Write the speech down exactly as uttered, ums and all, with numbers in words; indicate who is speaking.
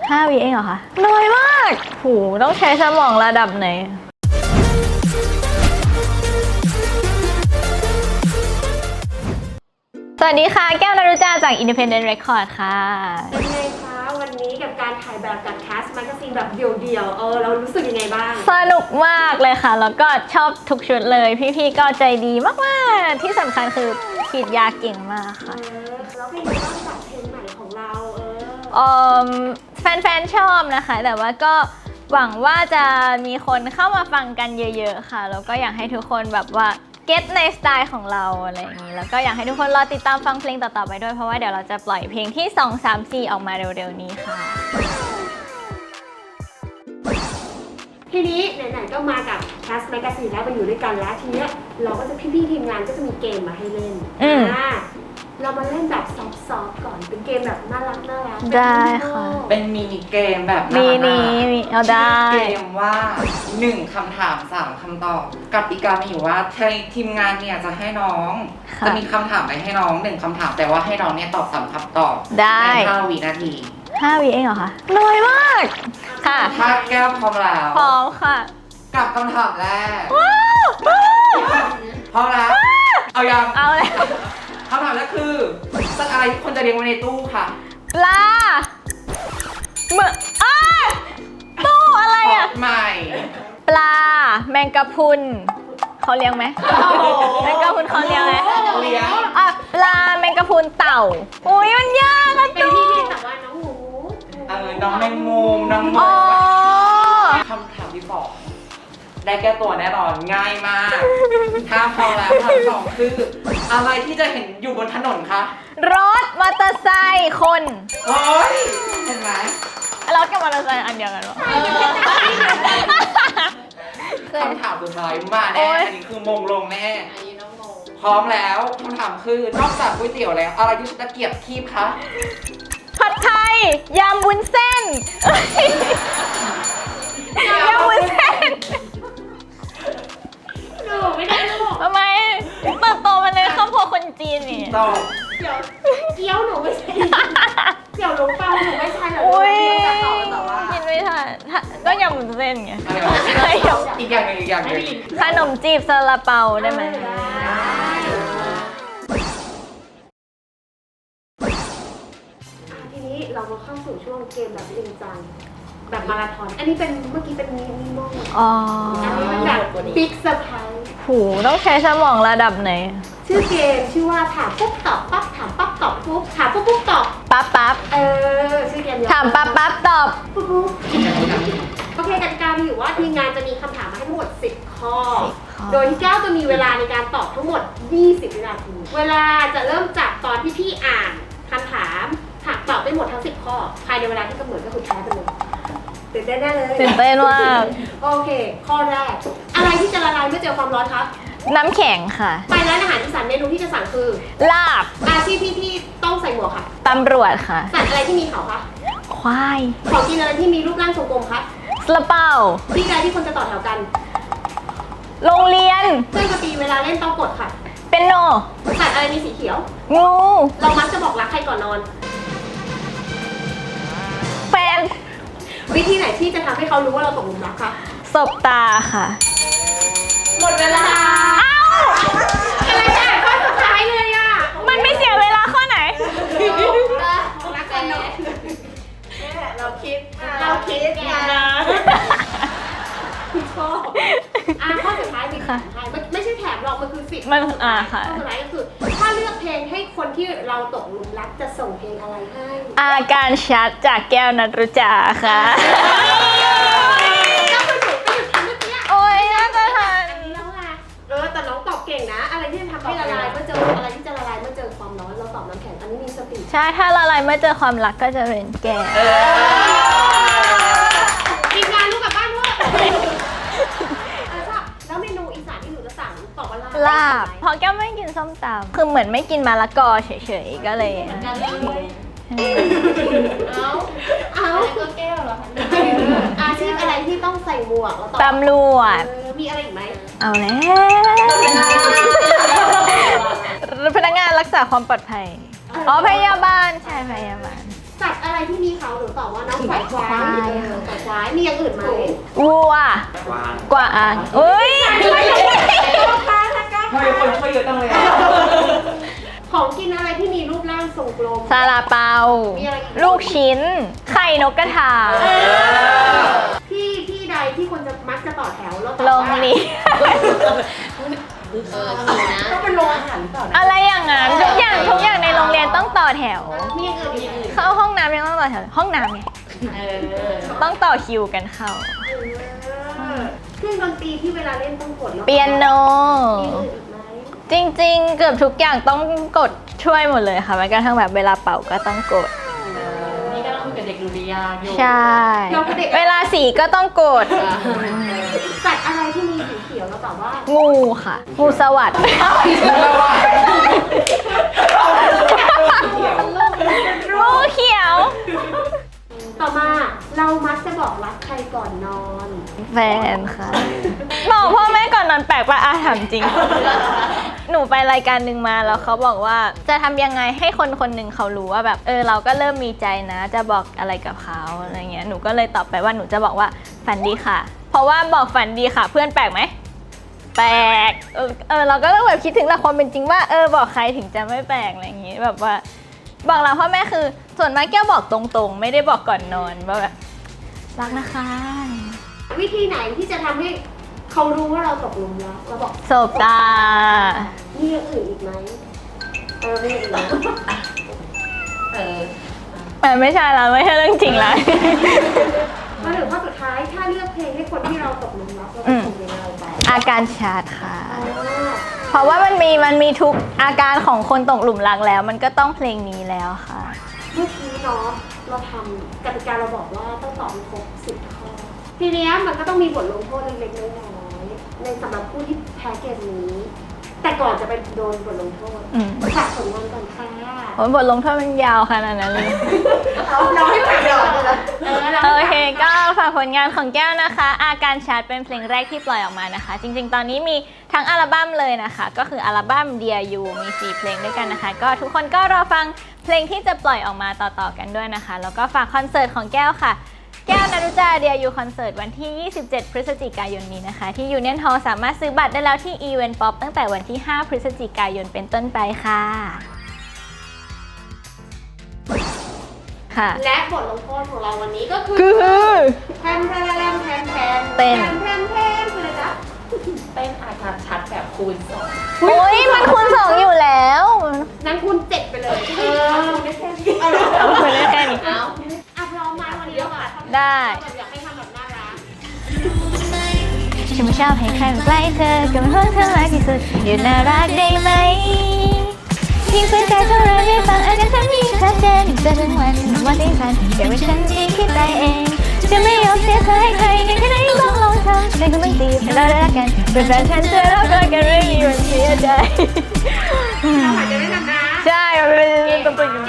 Speaker 1: ห้าวิเองเหรอคะน้อยมากโหต้องใช้สมองระดับไหนสวัสดีค่ะแก้วนรุจาจาก Independent Record ค่ะ
Speaker 2: เป็นไงคะวันนี้กับการถ่ายแบบกับแคสต์แมกกาซีนแบบเดี่ยวๆเออเรารู้สึกยังไงบ้าง
Speaker 1: สนุกมากเลยค่ะแล้วก็ชอบทุกชุดเลยพี่ๆก็ใจดีมากๆที่สำคัญคือขีดยาเก่งมากค่ะ
Speaker 2: เออแล้วเป็นไงบ้างกับเพลงใหม่ของเราเออ
Speaker 1: เอ่อแฟนๆชอบนะคะแต่ว่าก็หวังว่าจะมีคนเข้ามาฟังกันเยอะๆค่ะแล้วก็อยากให้ทุกคนแบบว่าเก็ตในสไตล์ของเราอะไรอย่างนี้แล้วก็อยากให้ทุกคนรอติดตามฟังเพลงต่อๆไปด้วยเพราะว่าเดี๋ยวเราจะปล่อยเพลงที่สอง สาม สี่ออกมาเร็วๆนี้ค่ะ
Speaker 2: ทีนี้ไหนๆก็มากับแคสต์แมกกาซีนแล้วมาอยู่ด้วยกันแล้วทีเนี้ยเราก็จะพี่ๆทีมงานก็จะมีเกมมาให้เล่นอ่าเรามาเล่นแบบซอฟต์ๆก่อนเป็นเกมแบบน่ารักน่ารัก
Speaker 1: ได้ค่ะ
Speaker 3: เป็นมินิเกมแบบ
Speaker 1: มินิมีเอาได้
Speaker 3: เกมว่าหนึ่งคำถามสามคำตอบกติกามีอยู่ว่าทีมงานเนี่ยจะให้น้องจะมีคำถามไปให้น้องหนึ่งคำถามแต่ว่าให้น้องเนี่ยตอบสามคำตอบในห้าวินาที
Speaker 1: ห้าวิเองเหรอคะน้อยมากค่ะ
Speaker 3: ถ้าแก้วพร้อมแล้ว
Speaker 1: พร้อมค่ะ
Speaker 3: กับคำถามแรกพร้อมแล้วเอายัง
Speaker 1: เอาเลย
Speaker 3: คำถามแรกคือสัตว์อะไรที่คนจะเลี้ยงไว้ในตู้ค่ะ
Speaker 1: ปลาเมื่ออ้าตู้อะไรอ่ะ
Speaker 3: ใหม่
Speaker 1: ปลาแมงกะพรุนเขาเลี้ยงไหมแมงกะพรุนเขาเลี้ยงไหม
Speaker 3: เลี้ยง
Speaker 1: อ่ะปลาแมงกะพรุนเต่าอุ้ยมันยากอะ
Speaker 2: เป็นที่ที่แต่ว่าน้องหมู
Speaker 3: เออน้องแมงมุมน้องหมูคำถามที่สองได้แก้ตัวแน่นอนง่ายมากถ้าพอแล้วคำถามสองคืออะไรที่จะเห็นอยู่บนถนนคะ
Speaker 1: รถมอเตอร์ไซค์คน
Speaker 3: โอ้ยเห็นไหม
Speaker 1: รถกับมอเตอร์ไซค์อันเดียวกันหรอ
Speaker 3: คำถามสุดท้ายมาแน่อันนี้คือมงลงแน่พร้อมแล้วคำถามคือนอกจากก๋วยเตี๋ยวแล้วอะไรที่ตะเกียบคีบคะ
Speaker 1: ผัดไทยยำวุ้นเส้นยำวุ้นเส้น
Speaker 2: หนูไม่ได้ลูก
Speaker 1: ทำไมเติบโตมาในครอบครัวคนจีนนี่
Speaker 3: ต่อ
Speaker 2: เดี๋ยวเกี๊ยวหนูไม่ใช่เดี๋ยวหลงเปาหนูไม่ใช่เหรอจะตอบแต่ว่า
Speaker 1: กินไม่ทันก็ยำวุ้นเส้นไง
Speaker 3: อีกอย่างหนึ่งอีกอย่างหนึ่ง
Speaker 1: ขนมจีบซาลาเปาได้ไหม
Speaker 2: ทีนี้เรามาเข้าสู่ช่วงเกมแบบจริงจังแบบมาราธอนอันนี้เป็นเมื่อกี้เป็นมินิมอล
Speaker 1: อ๋อ
Speaker 2: อันนี้มันแบบบิ๊กเซอร์ไพรส์
Speaker 1: หูต้องใช้สมองระดับไหน
Speaker 2: ชื่อเกมชื่อว่าถามปุ๊บตอบปั๊บถามปั๊บตอบปุ๊บถามปุ๊บปุ๊บตอบ
Speaker 1: ปั๊บปั๊บ
Speaker 2: เออชื่อเกม
Speaker 1: ถามปั๊บปั๊บตอบ
Speaker 2: ปุ๊บปุ๊บโอเคกติกามีอยู่ว่าทีมงานจะมีคำถามมาให้ทั้งหมดสิบข้อโดยที่แก้วจะมีเวลาในการตอบทั้งหมดยี่สิบวินาทีเวลาจะเริ่มจากตอนที่พี่อ่านคำถามถามตอบได้หมดทั้งสิบข้อภายในเวลาที่กำหนดก็คือแพ้ไปเลยตื่นเต้นได้เลย
Speaker 1: ตื่นเต้นมาก
Speaker 2: โอเคข้อแรกอะไรที่จะละลายเมื่อเจอความร้อนคะ
Speaker 1: น้ำแข็งค่ะ
Speaker 2: ไปร้านอาหารอีสานเมนูที่จะสั่งคือ
Speaker 1: ลาบ
Speaker 2: อาชีพที่ที่ต้องใส่หมวกค่ะ
Speaker 1: ตำรวจค่ะ
Speaker 2: สัตว์อะไรที่มีเขาคะ
Speaker 1: ควาย
Speaker 2: ของกินอะไรที่มีรูปร่างทรงกลมคะ
Speaker 1: ซาลาเปา
Speaker 2: ที่ใดที่คนจะต่อแถวกัน
Speaker 1: โรงเรียน
Speaker 2: เครื่องดนตรีเวลาเล่นต้องกดค่ะ
Speaker 1: เป็นโน
Speaker 2: สัตว์อะไรมีสีเขียว
Speaker 1: งู
Speaker 2: เรามักจะบอกรักใครก่อนนอน
Speaker 1: แฟน
Speaker 2: วิธีไหนที่จะทำให้เขารู้ว่าเราตกหลุมรักคะ
Speaker 1: สบตาค่ะ
Speaker 2: หมดเวลาเอ้าอะไรเนี่ยข้อสุดท้ายเลยอ่ะ
Speaker 1: มันไม่เสียเวลาข้อไหน
Speaker 2: รักกันเนาะเราคิดเราคิดนะข้ออ่ะข้อสุดท้ายมีค่ะไม่ใช่แถมหรอกมันคือสิบ
Speaker 1: มันอ่าค่ะ
Speaker 2: ข้อสุดท้ายก็คือถ้าเลือกเพลงให้คนที่เราตกหลุมรักจะส่งเพลงอะไรให้
Speaker 1: อาการชัดจากแก้วนัทรุจาค่ะ
Speaker 2: ก็คือหนูก็หยุดทำเมื่อกี้
Speaker 1: โอ้ยน่าจะทัน
Speaker 2: เออแต่น้องตอบเก่งนะอะไรที่จะทำให้ละลายเมื่อเจออะไรที่จะละลายเมื่อเจอความร้อนเราตอบน้ำแข็งอันนี้มีสติ
Speaker 1: ใช่ถ้าละลายเมื่อเจอความรักก็จะเป็นแก้ว
Speaker 2: ทีมงานลูกกลับบ้านด้วยแล้วเมนูอีสานที่หนูจะสั่งตอบว่า
Speaker 1: ลาบเพราะแก้วไม่กินส้มตำคือเหมือนไม่กินมะละกอเฉยๆก็เลย
Speaker 2: เอาเอาก็แก้วเหรออาชีพอะไรที่ต้องใส่หมวกแล้ว
Speaker 1: ตำรวจ
Speaker 2: มีอะไรอีกไหม
Speaker 1: เอาแล้วพนักงานรักษาความปลอดภัยอ๋อพยาบาลใช่พยาบาล
Speaker 2: สัตว์อะไรที่มีเขาหนูตอบว่าน้องฝ่ายควายเออฝ่ายควายมีอย่างอื่นไหม
Speaker 1: วัว
Speaker 3: วาง
Speaker 1: กวางอุ้ย
Speaker 3: ทำไมคนช่วยเยอะจังเลยอะ
Speaker 2: ของกินอะไรที่มีรูปร่างทรงกลม
Speaker 1: ซาลาเปา
Speaker 2: มีอะไรอีก
Speaker 1: ลูกชิ้น ไข่นกกระทา
Speaker 2: ที่ที่ใดที่คนจะมักจะต่อแถวแล้วตอบ
Speaker 1: โร
Speaker 2: ว่าง
Speaker 1: เรียน
Speaker 4: เออถูกนะ
Speaker 2: ต้องเป็นโรงอาหารหรือเปล่านะ
Speaker 1: อะไรอย่างนั้นทุกอย่างทุกอย่างในโรงเรียนต้องต่อแถว
Speaker 2: มีอย่างอื่นอีกไหม
Speaker 1: เข้าห้องน้ำยังต้องต่อแถวห้องน้ำไง
Speaker 4: เออ
Speaker 1: ต้องต่อคิวกันเข้า
Speaker 2: เออเครื่องดนตรีที่เวลาเล่นต้องกดแล้ว
Speaker 1: เปียโน
Speaker 2: มีอย่างอื่นอีกไหม
Speaker 1: จริงๆ เกือบทุกอย่างต้องกดช่วยหมดเลยค่ะแม้กระทั่งแบบเวลาเป่าก็ต้องกด
Speaker 4: นี่ก็ต้องคุยกับเด็กดุริยางค์อยู่
Speaker 1: ใช่ เวลาสีก็ต้องกด
Speaker 2: สัตว์อะไรที่มีสีเขียวแล้วตอบว่า
Speaker 1: งูค่ะ งูสวัสด์ งูเขียว
Speaker 2: ต่อมาเรามักจะบอกรักใครก่อนนอน
Speaker 1: แฟนค่ะ บอกพ่อแม่ก่อนนอนแปลกปะอาถามจริง หนูไปรายการหนึ่งมาแล้วเขาบอกว่าจะทำยังไงให้คนคนหนึ่งเขารู้ว่าแบบเออเราก็เริ่มมีใจนะ จะบอกอะไรกับเขาอะไรเงี้ยหนูก็เลยตอบไปว่าหนูจะบอกว่าฝันดีค่ะ เพราะว่าบอกฝันดีค่ะ เพื่อนแปลกไหมแปลกเออเออเราก็ต้องแบบคิดถึงหลักความเป็นจริงว่าเออบอกใครถึงจะไม่แปลกอะไรอย่างงี้แบบว่า บอกเราพ่อแม่คือส่วนมากแก้วบอกตรงๆ ไม่ได้บอกก่อนนอนว่าแบบรักนะคะ
Speaker 2: วิธีไหนที่จะทำให้เขารู้ว่าเราตกหลุมรักเราบอก
Speaker 1: สบตา
Speaker 2: มีอย่างอื่นอีกไหมเออไม่อย่างอื่น
Speaker 4: เออ
Speaker 1: แต่ไม่ใช่แล้วไม่ใช่เรื่องจริงแล้ว
Speaker 2: มาถึงข้อสุดท้ายถ้าเลือกเพลงให้คนที่เราตกหลุมรักเรา
Speaker 1: อื
Speaker 2: จะ
Speaker 1: ม
Speaker 2: ส่งเพลงอะไรไป
Speaker 1: อาการชาร์จค่ะ
Speaker 2: อ่า
Speaker 1: เพราะว่ามันมีมันมีทุกอาการของคนตกหลุมรักแล้ว มันก็ต้องเพลงนี้แล้วค่ะ
Speaker 2: เมื่อกี้เนาะเราทำกติกาเราบอกว่าต้องตอบให้ครบสิบข้อ ทีเนี้ยมันก็ต้องมีบทลงโทษเล็กๆน้อยๆในสำหรับผู้ที่แพ้เกมนี้ แต่ก่อนจะไปโดนบทลงโทษ
Speaker 1: อืม
Speaker 2: ฝากผลงานก่อนค่ะ
Speaker 1: โอ้ยบทลงโทษมันยาวขนาดนั้นเลย
Speaker 2: เราเราให้ผ่านก่อนเลยเออเรา
Speaker 1: โอ
Speaker 2: ให้
Speaker 1: เค
Speaker 2: ผ่าน
Speaker 1: ก็ฝากผลงานของแก้วนะคะ อาการชาร์จเป็นเพลงแรกที่ปล่อยออกมานะคะ จริงๆ ตอนนี้มีทั้งอัลบั้มเลยนะคะ ก็คืออัลบั้ม Dear You มีสี่เพลงด้วยกันนะคะ ก็ทุกคนก็รอฟังเพลงที่จะปล่อยออกมาต่อๆกันด้วยนะคะ แล้วก็ฝากคอนเสิร์ตของแก้วค่ะ แก้วนารุจา Dear You คอนเสิร์ตวันที่ ยี่สิบเจ็ด พฤศจิกายนนี้นะคะ ที่ Union Hall สามารถซื้อบัตรได้แล้วที่ Event Pop ตั้งแต่วันที่ ห้า พฤศจิกายนเป็นต้นไปค่ะค่ะ
Speaker 2: และบทลงโทษของเราวันนี้ก็คือ
Speaker 1: คือ
Speaker 2: แทมแทมแทมแทมแทม
Speaker 1: เต้น
Speaker 2: แทมแทมแทมคืออะไรจ๊ะ
Speaker 4: เต้นอาการชัดแบบคูณสอง
Speaker 1: โอ้ยมันคูณสองอยู่แล้ว
Speaker 2: นั้นคุณเจ็ดไปเลยเออไม่แค่นี้เอา
Speaker 1: เอาไปเลยแค่นี้
Speaker 4: เอา
Speaker 2: อ่ะพร้อมไหมวันนี้เราแบบ
Speaker 1: ได้
Speaker 2: เราแบบอยากให้ทำแบบน่ารัก
Speaker 1: ฉันไม่ชอบให้ใครมาใกล้เธอก็มันเพิ่งเธอรักที่สุดอยู่น่ารักได้ไหมยิ่งฝืนใจเท่าไรไม่ฟังอาการฉันยิ่งชัดเจนจะถึงวันวันที่ฉันเดี๋ยวเป็นฉันที่คิดไปเองจะไม่ยอมเสียเธอให้ใครในแค่ไหนต้องลองทำฉันก็ไม่ตีให้เรารักกันเป็นแฟนฉันจะรักกันไม่มีวันเสียใจ
Speaker 2: เราอาจจะไม่ทำนะ
Speaker 1: ใช่มันเป็นตัวตน